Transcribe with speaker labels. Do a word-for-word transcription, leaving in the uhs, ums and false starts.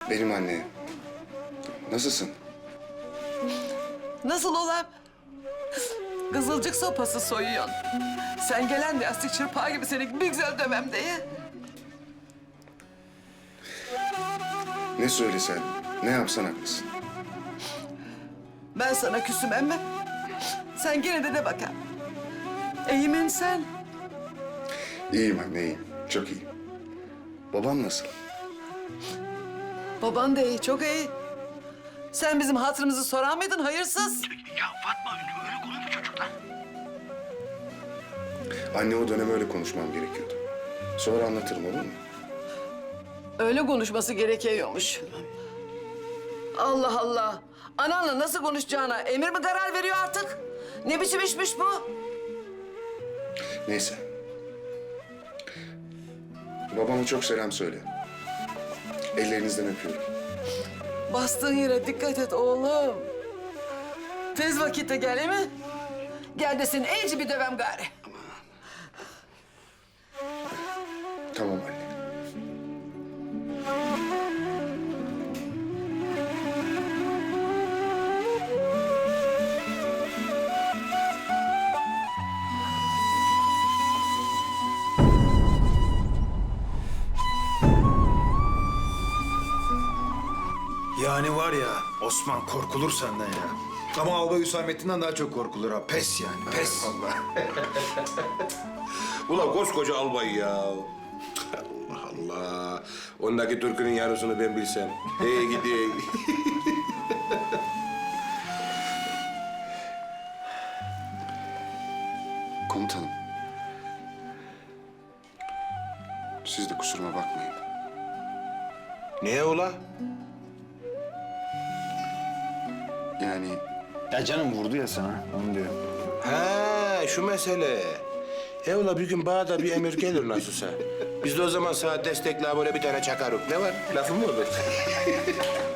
Speaker 1: Benim anne. Nasılsın?
Speaker 2: Nasıl olam? Kızılcık sopası soyuyorsun. Sen gelen de yastık çırpağı gibi seni bir güzel dövmem diye.
Speaker 1: Ne söylesen, ne yapsan haklısın.
Speaker 2: Ben sana küsüm emme. Sen gene de de bakalım. İyimin sen.
Speaker 1: İyiyim anne, iyiyim. Çok iyiyim. Babam nasıl?
Speaker 2: Baban da iyi, çok iyi. Sen bizim hatırımızı sorar mıydın hayırsız?
Speaker 3: Ya Fatma öyle konuşma çocuklar.
Speaker 1: Anne o dönem öyle konuşmam gerekiyordu. Sonra anlatırım, olur mu?
Speaker 2: Öyle konuşması gerekiyormuş. Allah Allah. Ananla nasıl konuşacağına emir mi karar veriyor artık? Ne biçim işmiş bu?
Speaker 1: Neyse. Babama çok selam söyle. Ellerinizden öpüyorum.
Speaker 2: Bastığın yere dikkat et oğlum. Tez vakitte gel, değil mi? Gel de seni iyice bir dövem gari.
Speaker 1: Tamam anne.
Speaker 4: Yani var ya Osman korkulur senden ya. Ama Albay Hüsamettin'den daha çok korkulur ha. Pes yani pes.
Speaker 1: Allah.
Speaker 5: Ulan koskoca albay ya. Allah Allah. Ondaki türkünün yarısını ben bilsem. Hey gidi.
Speaker 1: Komutanım. Siz de kusuruma bakmayın.
Speaker 5: Niye ula?
Speaker 1: Yani
Speaker 4: Ya canım vurdu ya sana onu diyor.
Speaker 5: Ha şu mesele. E ula bir gün bana da bir emir gelir nasılsa. Biz de o zaman sana destekle böyle bir tane çakarık. Ne var? Lafım mı olur?